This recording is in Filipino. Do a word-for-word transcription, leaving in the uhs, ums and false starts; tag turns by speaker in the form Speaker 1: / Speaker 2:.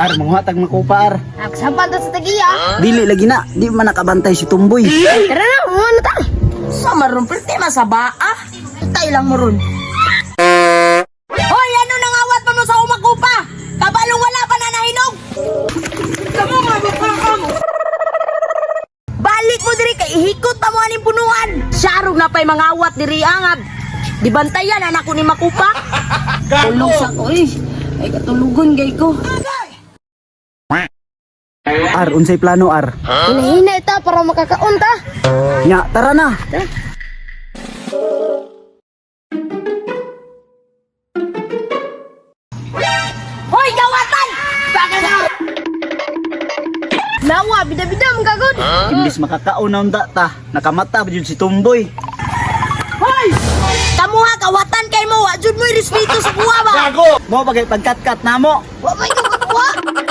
Speaker 1: Ar, manghatag makupa ar.
Speaker 2: Nagsampal ta sa tagiya.
Speaker 1: Dili lagi na, di man nakabantay si Tumboy.
Speaker 2: Tara na, umuha na ta.
Speaker 3: Sa maron, pwede masabaa. Tay lang mo ron. Hoy, ano nang awat pa mo sa umakupa? Kabalong wala pa na nahinog. Kamu nga, bakakam. Balik mo diri kay ihikot pa mo aning punuan. Syarog na pa'y mga awat diri angab. Di bantayan anak ko ni makupa. Tulog sa ko eh. Ay katulugon gay ko.
Speaker 1: Ar, unsay plano ar?
Speaker 2: Hinahina ita para makakaon ta.
Speaker 1: Nya, tara na.
Speaker 3: Hoy, gawatan! Bakit na?
Speaker 2: Nawa, bida-bida mong kagod.
Speaker 1: Imbis makakaon na unda ta, nakamata ba yun si Tumboy?
Speaker 3: Hoy! Kamuha, kawatan kay mo. Wajud mo respeto sa buwa ba?
Speaker 1: Mo bagay pagkat-kat na mo.
Speaker 3: Wa may kukuha.